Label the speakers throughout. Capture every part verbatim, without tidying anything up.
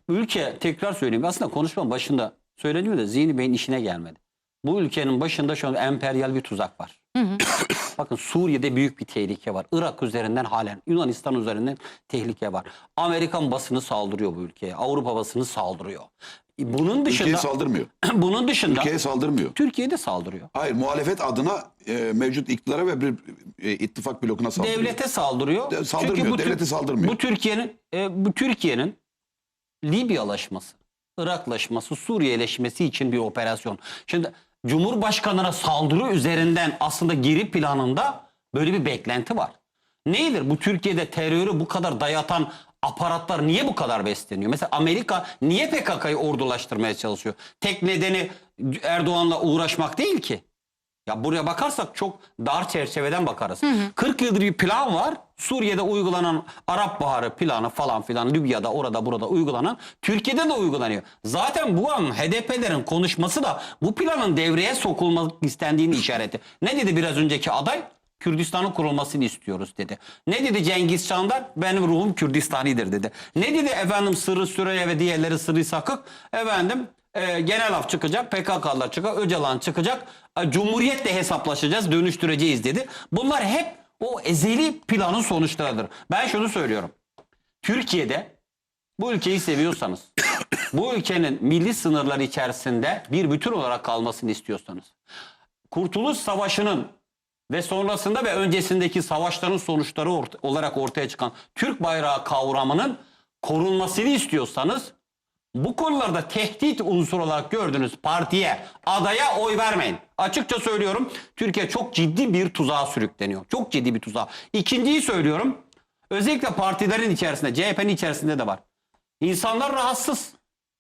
Speaker 1: ülke, tekrar söyleyeyim, aslında konuşmanın başında söyleniyor da Zihni Bey'in işine gelmedi. Bu ülkenin başında şu an emperyal bir tuzak var. Hı hı. Bakın Suriye'de büyük bir tehlike var. Irak üzerinden halen, Yunanistan üzerinden tehlike var. Amerikan basını saldırıyor bu ülkeye. Avrupa basını saldırıyor. Bunun dışında...
Speaker 2: Ülkeye saldırmıyor.
Speaker 1: Bunun dışında...
Speaker 2: Ülkeye saldırmıyor.
Speaker 1: Türkiye'de saldırıyor.
Speaker 2: Hayır, muhalefet adına e, mevcut iktidara ve bir e, ittifak blokuna saldırıyor.
Speaker 1: Devlete saldırıyor.
Speaker 2: De, saldırmıyor,
Speaker 1: Çünkü bu,
Speaker 2: devlete saldırmıyor.
Speaker 1: Bu Türkiye'nin e, bu Türkiye'nin Libyalaşması, Iraklaşması, Suriyeleşmesi için bir operasyon. Şimdi Cumhurbaşkanı'na saldırı üzerinden aslında geri planında böyle bir beklenti var. Nedir? Bu Türkiye'de terörü bu kadar dayatan aparatlar niye bu kadar besleniyor? Mesela Amerika niye P K K'yı ordulaştırmaya çalışıyor? Tek nedeni Erdoğan'la uğraşmak değil ki. Ya buraya bakarsak çok dar çerçeveden bakarız. Hı hı. kırk yıldır bir plan var. Suriye'de uygulanan Arap Baharı planı falan filan, Libya'da orada burada uygulanan, Türkiye'de de uygulanıyor. Zaten bu an H D P'lerin konuşması da bu planın devreye sokulmak istendiğini işareti. Ne dedi biraz önceki aday? Kürdistan'ın kurulmasını istiyoruz dedi. Ne dedi Cengiz Çandar? Benim ruhum Kürdistani'dir dedi. Ne dedi efendim Sırrı Süreyya ve diğerleri Sırrı Sakık? Efendim e, genel af çıkacak, P K K'lar çıkacak, Öcalan çıkacak. E, Cumhuriyetle hesaplaşacağız, dönüştüreceğiz dedi. Bunlar hep o ezeli planın sonuçlarıdır. Ben şunu söylüyorum. Türkiye'de bu ülkeyi seviyorsanız, bu ülkenin milli sınırları içerisinde bir bütün olarak kalmasını istiyorsanız, Kurtuluş Savaşı'nın ve sonrasında ve öncesindeki savaşların sonuçları orta, olarak ortaya çıkan Türk bayrağı kavramının korunmasını istiyorsanız, bu konularda tehdit unsuru olarak gördüğünüz partiye, adaya oy vermeyin. Açıkça söylüyorum, Türkiye çok ciddi bir tuzağa sürükleniyor. Çok ciddi bir tuzağa. İkinciyi söylüyorum, özellikle partilerin içerisinde, C H P'nin içerisinde de var. İnsanlar rahatsız.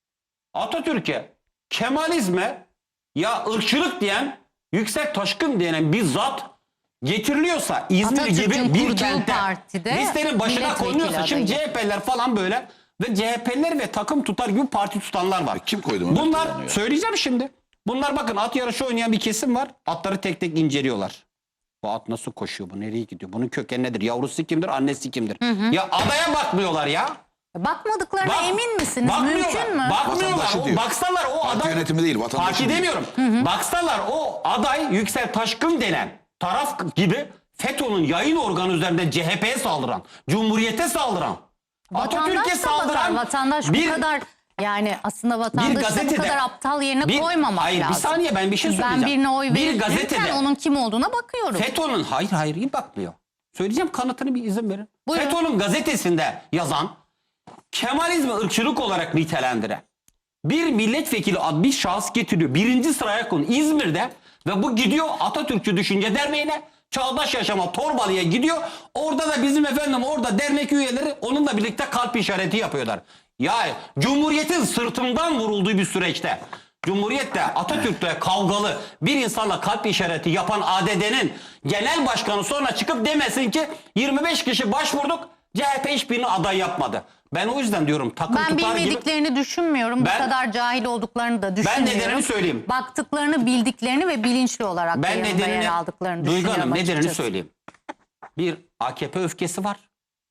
Speaker 1: Atatürk'e, Kemalizme, ya ırkçılık diyen, Yüksek Taşkın denen bir zat getiriliyorsa, İzmir gibi bir kentte listenin başına konuyorsa, şimdi C H P'ler falan böyle ve C H P'ler ve takım tutar gibi parti tutanlar var.
Speaker 2: Kim koydu bunu?
Speaker 1: Bunlar söyleyeceğim şimdi. Bunlar bakın at yarışı oynayan bir kesim var. Atları tek tek inceliyorlar. Bu at nasıl koşuyor? Bu nereye gidiyor? Bunun kökeni nedir? Yavrusu kimdir? Annesi kimdir? Hı hı. Ya adaya bakmıyorlar ya.
Speaker 3: Bakmadıklarına
Speaker 1: Bak,
Speaker 3: emin misiniz? Mümkün mü?
Speaker 1: Bakmıyorlar. O, baksalar o
Speaker 2: Parti
Speaker 1: aday...
Speaker 2: yönetimi değil, vatandaşı
Speaker 1: Parti
Speaker 2: değil.
Speaker 1: demiyorum. Hı hı. Baksalar o aday Yüksel Taşkın denen taraf gibi FETÖ'nün yayın organı üzerinde C H P'ye saldıran, Cumhuriyet'e saldıran, Atatürk'e saldıran...
Speaker 3: Vatandaş
Speaker 1: bir,
Speaker 3: bu kadar... Yani aslında vatandaşı bu kadar aptal yerine
Speaker 1: bir,
Speaker 3: koymamak
Speaker 1: hayır,
Speaker 3: lazım.
Speaker 1: Bir saniye ben bir şey söyleyeceğim.
Speaker 3: Ben birine oy
Speaker 1: bir gazetede
Speaker 3: onun kim olduğuna bakıyorum.
Speaker 1: FETÖ'nün hayır hayır iyi bakmıyor. Söyleyeceğim, kanıtını bir izin verin.
Speaker 3: Buyurun.
Speaker 1: FETÖ'nün gazetesinde yazan, Kemalizmi ırkçılık olarak nitelendiren bir milletvekili adlı bir şahıs getiriyor. Birinci sıraya konu İzmir'de ve bu gidiyor Atatürkçü Düşünce Derneği'ne, Çağdaş Yaşama Torbalı'ya gidiyor. Orada da bizim efendim orada dernek üyeleri onunla birlikte kalp işareti yapıyorlar. Ya Cumhuriyet'in sırtından vurulduğu bir süreçte, Cumhuriyet'te Atatürk'te kavgalı bir insanla kalp işareti yapan A D D'nin genel başkanı sonra çıkıp demesin ki yirmi beş kişi başvurduk, C H P hiçbirini aday yapmadı. Ben o yüzden diyorum takım
Speaker 3: ben
Speaker 1: tutar gibi.
Speaker 3: bilmediklerini düşünmüyorum. Ben, bu kadar cahil olduklarını da düşünmüyorum.
Speaker 1: Ben nedenini söyleyeyim.
Speaker 3: Baktıklarını, bildiklerini ve bilinçli olarak
Speaker 1: ben nedenini,
Speaker 3: yer aldıklarını
Speaker 1: Duygu
Speaker 3: düşünüyorum
Speaker 1: Hanım,
Speaker 3: açıkçası.
Speaker 1: nedenini söyleyeyim. Bir A K P öfkesi var.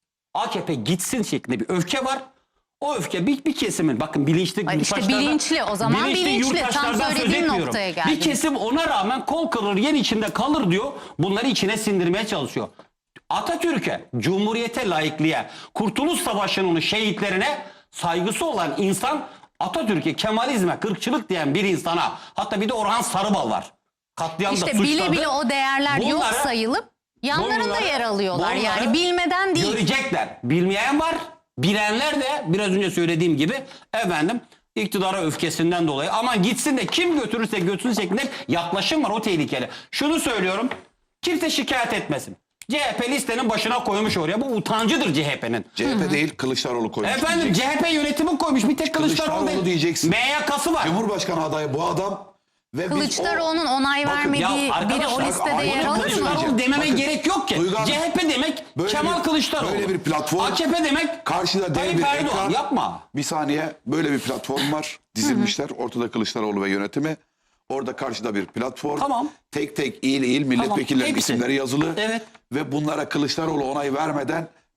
Speaker 1: A K P gitsin şeklinde bir öfke var. O öfke bir, bir kesimin, bakın bilinçli
Speaker 3: Ay işte bilinçli o zaman bilinçli. Tam söylediğim noktaya geldi.
Speaker 1: Bir kesim ona rağmen kol kırılır yer içinde kalır diyor. Bunları içine sindirmeye çalışıyor. Atatürk'e, Cumhuriyet'e, laikliğe, Kurtuluş Savaşı'nın şehitlerine saygısı olan insan Atatürk'e, Kemalizme, kırkçılık diyen bir insana, hatta bir de Orhan Sarıbal var. Katliamda
Speaker 3: İşte
Speaker 1: suçladı.
Speaker 3: bile bile o değerler
Speaker 1: bunları,
Speaker 3: yok sayılıp yanlarında
Speaker 1: bunları,
Speaker 3: yer alıyorlar. Yani bilmeden değil.
Speaker 1: Görecekler. Bilmeyen var. Bilenler de biraz önce söylediğim gibi efendim iktidara öfkesinden dolayı aman gitsin de kim götürürse götürsün şeklinde yaklaşım var, o tehlikeli. Şunu söylüyorum, kimse şikayet etmesin. C H P listenin başına koymuş oraya. Bu utancıdır C H P'nin.
Speaker 2: C H P değil, Kılıçdaroğlu koymuş.
Speaker 1: Efendim
Speaker 2: diyeceksin.
Speaker 1: C H P yönetimi koymuş. Bir tek Kılıçdaroğlu,
Speaker 2: Kılıçdaroğlu
Speaker 1: değil.
Speaker 2: diyeceksin.
Speaker 1: M Y K'sı var.
Speaker 2: Cumhurbaşkanı adayı bu adam. Ve
Speaker 3: Kılıçdaroğlu'nun onay
Speaker 2: Bakın,
Speaker 3: vermediği biri o listede yer alır mı?
Speaker 1: Kılıçdaroğlu dememe
Speaker 2: Bakın,
Speaker 1: gerek yok ki.
Speaker 2: Duygu Hanım,
Speaker 1: C H P demek Kemal
Speaker 2: bir,
Speaker 1: Kılıçdaroğlu.
Speaker 2: Böyle bir platform.
Speaker 1: A K P demek
Speaker 2: karşıda dev
Speaker 1: Tayyip
Speaker 2: bir
Speaker 1: Erdoğan.
Speaker 2: ekran.
Speaker 1: Yapma.
Speaker 2: Bir saniye, böyle bir platform var. Dizilmişler. Ortada Kılıçdaroğlu ve yönetimi. Orada karşıda bir platform.
Speaker 1: Tamam.
Speaker 2: Tek tek il il milletvekillerinin
Speaker 1: Tamam,
Speaker 2: isimleri yazılı.
Speaker 1: Evet.
Speaker 2: Ve bunlara Kılıçdaroğlu onay vermeden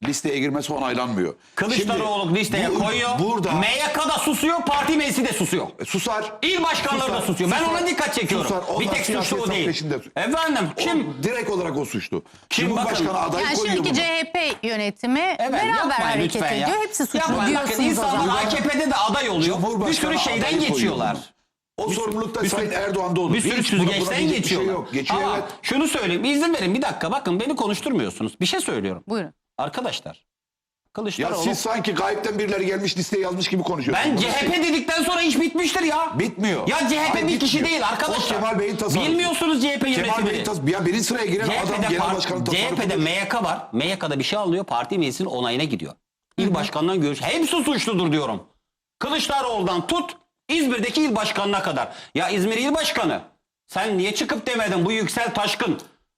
Speaker 2: listeye girmesi onaylanmıyor.
Speaker 1: Kılıçdaroğlu
Speaker 2: Şimdi
Speaker 1: listeye
Speaker 2: bu-
Speaker 1: koyuyor.
Speaker 2: Burada
Speaker 1: M Y K da susuyor, parti meclisi de susuyor.
Speaker 2: susar.
Speaker 1: İl başkanları da
Speaker 2: Susar,
Speaker 1: susuyor. Ben
Speaker 2: susar,
Speaker 1: ona dikkat çekiyorum.
Speaker 2: susar. Onlar
Speaker 1: Bir tek suçlu
Speaker 2: siyasi
Speaker 1: o
Speaker 2: hesap
Speaker 1: değil.
Speaker 2: peşinde.
Speaker 1: Efendim kim?
Speaker 2: O, direkt olarak o suçlu.
Speaker 1: Kim
Speaker 2: Cumhurbaşkanı
Speaker 1: bakın-
Speaker 2: adayı
Speaker 3: Yani
Speaker 2: koyuyor
Speaker 3: şimdiki
Speaker 2: bunu.
Speaker 3: C H P yönetimi
Speaker 1: Evet,
Speaker 3: beraber
Speaker 1: yapmayın
Speaker 3: hareket
Speaker 1: lütfen ya.
Speaker 3: ediyor. Hepsi suçlu
Speaker 1: Yapmayın. Bakın
Speaker 3: diyorsunuz o
Speaker 1: insanlar
Speaker 3: zaman.
Speaker 1: A K P'de de aday oluyor. Bir
Speaker 2: Cumhurbaşkanı
Speaker 1: sürü şeyden
Speaker 2: adayı koyuyor
Speaker 1: geçiyorlar.
Speaker 2: bunu. O sorumlulukta
Speaker 1: bir
Speaker 2: Sayın
Speaker 1: sürü-
Speaker 2: Erdoğan'da olur.
Speaker 1: Bir sürü
Speaker 2: Hiç buna- buna
Speaker 1: süzgeçten
Speaker 2: diyecek bir
Speaker 1: geçiyorlar.
Speaker 2: Şey yok. Geçiyor
Speaker 1: Ama
Speaker 2: evet.
Speaker 1: şunu söyleyeyim. İzin verin bir dakika. Bakın beni konuşturmuyorsunuz. Bir şey söylüyorum.
Speaker 3: Buyurun.
Speaker 1: Arkadaşlar.
Speaker 2: Ya
Speaker 1: Kılıçdaroğlu.
Speaker 2: siz sanki gayipten birileri gelmiş listeye yazmış gibi konuşuyorsunuz.
Speaker 1: Ben
Speaker 2: Bunu
Speaker 1: C H P
Speaker 2: siz-
Speaker 1: dedikten sonra iş bitmiştir ya.
Speaker 2: Bitmiyor.
Speaker 1: Ya C H P
Speaker 2: Hayır,
Speaker 1: bir kişi
Speaker 2: bitmiyor.
Speaker 1: değil arkadaşlar.
Speaker 2: O Kemal Bey'in tasarrufu.
Speaker 1: Bilmiyorsunuz C H P
Speaker 2: Kemal Bey'in
Speaker 1: yönetimini.
Speaker 2: tasarrufu. Ya birinci sıraya giren adam
Speaker 1: C H P'de,
Speaker 2: genel
Speaker 1: par-
Speaker 2: başkanın
Speaker 1: C H P'de
Speaker 2: tasarrufu.
Speaker 1: M Y K var. M Y K'da bir şey alıyor. Parti meclisinin onayına gidiyor. İl başkanından görüş. Hepsi suçludur diyorum. Kılıçdaroğlu'ndan tut İzmir'deki il başkanına kadar. Ya İzmir il başkanı sen niye çıkıp demedin bu Yüksel Taşkın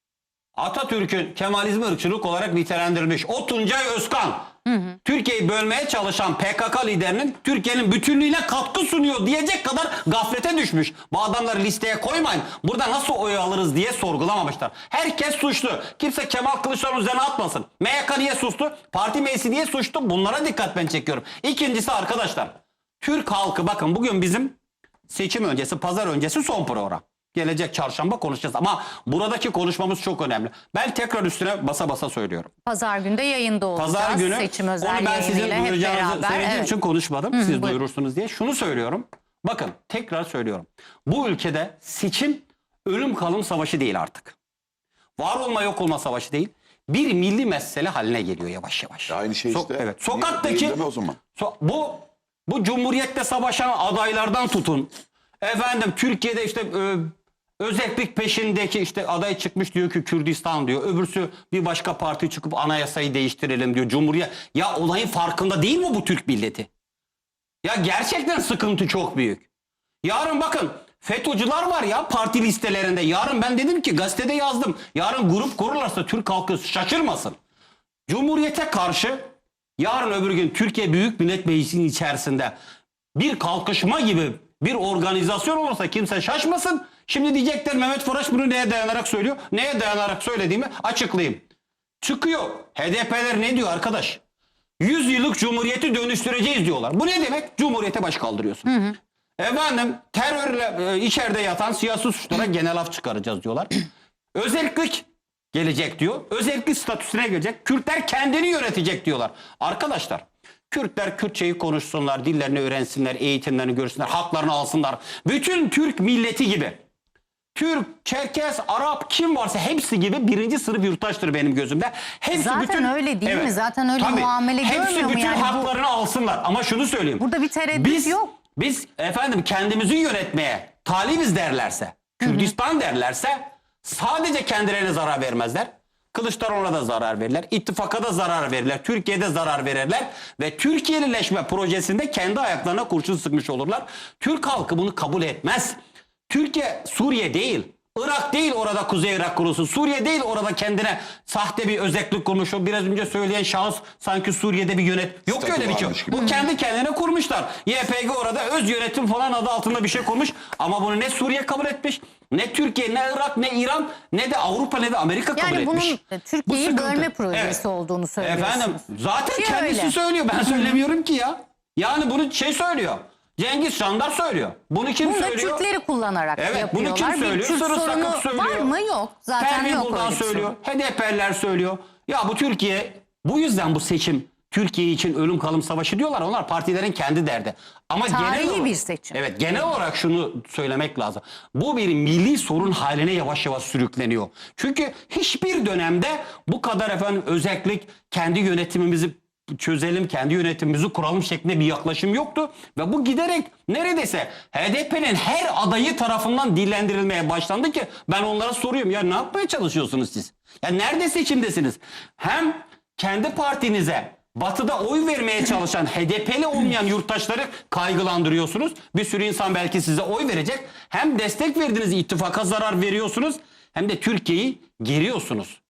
Speaker 1: Atatürk'ün Kemalizmi ırkçılık olarak nitelendirilmiş. O Tuncay Özkan Türkiye'yi bölmeye çalışan P K K liderinin Türkiye'nin bütünlüğüne katkı sunuyor diyecek kadar gaflete düşmüş. Bu adamları listeye koymayın. Burada nasıl oy alırız diye sorgulamamışlar. Herkes suçlu. Kimse Kemal Kılıçdaroğlu üzerine atmasın. M Y K niye sustu? Parti meclisi niye suçlu? Bunlara dikkat ben çekiyorum. İkincisi arkadaşlar. Türk halkı bakın bugün bizim seçim öncesi, pazar öncesi son program. Gelecek çarşamba konuşacağız ama buradaki konuşmamız çok önemli. Ben tekrar üstüne basa basa söylüyorum.
Speaker 3: Pazar günde yayında olacağız.
Speaker 1: Pazar günü
Speaker 3: Seçim özel
Speaker 1: onu ben sizin
Speaker 3: yayınıyla hep
Speaker 1: duyuracağınızı
Speaker 3: beraber.
Speaker 1: söylediğim
Speaker 3: Evet.
Speaker 1: için konuşmadım. Siz
Speaker 3: buyurun.
Speaker 1: duyurursunuz diye. Şunu söylüyorum. Bakın tekrar söylüyorum. Bu ülkede seçim ölüm kalım savaşı değil artık. Var olma yok olma savaşı değil. Bir milli mesele haline geliyor yavaş yavaş.
Speaker 2: Aynı şey
Speaker 1: So-
Speaker 2: işte.
Speaker 1: Evet.
Speaker 2: Niye-
Speaker 1: Sokaktaki
Speaker 2: niye deme o zaman?
Speaker 1: so- bu bu cumhuriyette savaşan adaylardan tutun. Efendim Türkiye'de işte e, özellik peşindeki işte aday çıkmış diyor ki Kürdistan diyor. Öbürsü bir başka parti çıkıp anayasayı değiştirelim diyor. Cumhuriyet ya olayın farkında değil mi bu Türk milleti? Ya gerçekten sıkıntı çok büyük. Yarın bakın FETÖ'cüler var ya parti listelerinde. Yarın ben dedim ki gazetede yazdım. Yarın grup kururlarsa Türk halkı şaşırmasın. Cumhuriyete karşı yarın öbür gün Türkiye Büyük Millet Meclisi'nin içerisinde bir kalkışma gibi bir organizasyon olursa kimse şaşmasın. Şimdi diyecekler Mehmet Faraş bunu neye dayanarak söylüyor? Neye dayanarak söylediğimi açıklayayım. Çıkıyor. H D P'ler ne diyor arkadaş? yüz yıllık cumhuriyeti dönüştüreceğiz diyorlar. Bu ne demek? Cumhuriyete baş kaldırıyorsun. Efendim terörle e, içeride yatan siyasi suçlara genel af çıkaracağız diyorlar. Özellik gelecek diyor. Özellik statüsüne gelecek. Kürtler kendini yönetecek diyorlar. Arkadaşlar Kürtler Kürtçeyi konuşsunlar, dillerini öğrensinler, eğitimlerini görsünler, haklarını alsınlar. Bütün Türk milleti gibi. Türk, Çerkez, Arap kim varsa hepsi gibi birinci sınıf yurttaştır benim gözümde. Hepsi
Speaker 3: Zaten
Speaker 1: bütün,
Speaker 3: öyle değil mi? Zaten öyle muamele
Speaker 1: hepsi
Speaker 3: görmüyor mu
Speaker 1: bütün
Speaker 3: yani bu-
Speaker 1: haklarını alsınlar. Ama şunu söyleyeyim.
Speaker 3: Burada bir tereddüt
Speaker 1: biz,
Speaker 3: yok.
Speaker 1: Biz efendim kendimizi yönetmeye talibiz derlerse, Kürdistan derlerse sadece kendilerine zarar vermezler. Kılıçdaroğlu'na da zarar verirler. İttifaka da zarar verirler. Türkiye'de zarar verirler. Ve Türkiye'lileşme projesinde kendi ayaklarına kurşun sıkmış olurlar. Türk halkı bunu kabul etmez. Türkiye Suriye değil. Irak değil orada Kuzey Irak kurusu. Suriye değil orada kendine sahte bir özellik kurmuş. O biraz önce söyleyen şahıs sanki Suriye'de bir yönet. Yok
Speaker 2: Statü
Speaker 1: öyle bir şey.
Speaker 2: varmış gibi.
Speaker 1: Bu kendi kendine kurmuşlar. Y P G orada öz yönetim falan adı altında bir şey kurmuş. Ama bunu ne Suriye kabul etmiş, ne Türkiye, ne Irak, ne İran, ne de Avrupa, ne de Amerika kabul
Speaker 3: Yani bunun
Speaker 1: etmiş.
Speaker 3: Türkiye'yi
Speaker 1: Bu sıkıntı.
Speaker 3: bölme projesi
Speaker 1: Evet.
Speaker 3: olduğunu söylüyorsunuz.
Speaker 1: Efendim zaten
Speaker 3: Ki
Speaker 1: kendisi
Speaker 3: öyle.
Speaker 1: söylüyor. Ben söylemiyorum ki ya. Yani bunu şey söylüyor. Cengiz Şandar söylüyor. Bunu kim
Speaker 3: Bunu da
Speaker 1: söylüyor?
Speaker 3: Kürtleri kullanarak
Speaker 1: Evet,
Speaker 3: yapıyorlar.
Speaker 1: bunu kim söylüyor?
Speaker 3: Bir Kürt
Speaker 1: Sırrı
Speaker 3: sorunu
Speaker 1: Sakıp söylüyor.
Speaker 3: var mı? Yok. Zaten
Speaker 1: Pervin
Speaker 3: yok
Speaker 1: Buldan
Speaker 3: öyle bir
Speaker 1: söylüyor.
Speaker 3: sorun.
Speaker 1: H D P'liler söylüyor. Ya bu Türkiye bu yüzden bu seçim Türkiye için ölüm kalım savaşı diyorlar. Onlar partilerin kendi derdi. Ama
Speaker 3: Tarihi
Speaker 1: genel olarak,
Speaker 3: bir seçim.
Speaker 1: Evet, genel olarak şunu söylemek lazım. Bu bir milli sorun haline yavaş yavaş sürükleniyor. Çünkü hiçbir dönemde bu kadar efendim özellik kendi yönetimimizi çözelim, kendi yönetimimizi kuralım şeklinde bir yaklaşım yoktu. Ve bu giderek neredeyse H D P'nin her adayı tarafından dillendirilmeye başlandı ki ben onlara soruyorum. Ya ne yapmaya çalışıyorsunuz siz? Ya nerede seçimdesiniz? Hem kendi partinize Batı'da oy vermeye çalışan H D P'li olmayan yurttaşları kaygılandırıyorsunuz. Bir sürü insan belki size oy verecek. Hem destek verdiğiniz ittifaka zarar veriyorsunuz hem de Türkiye'yi geriyorsunuz.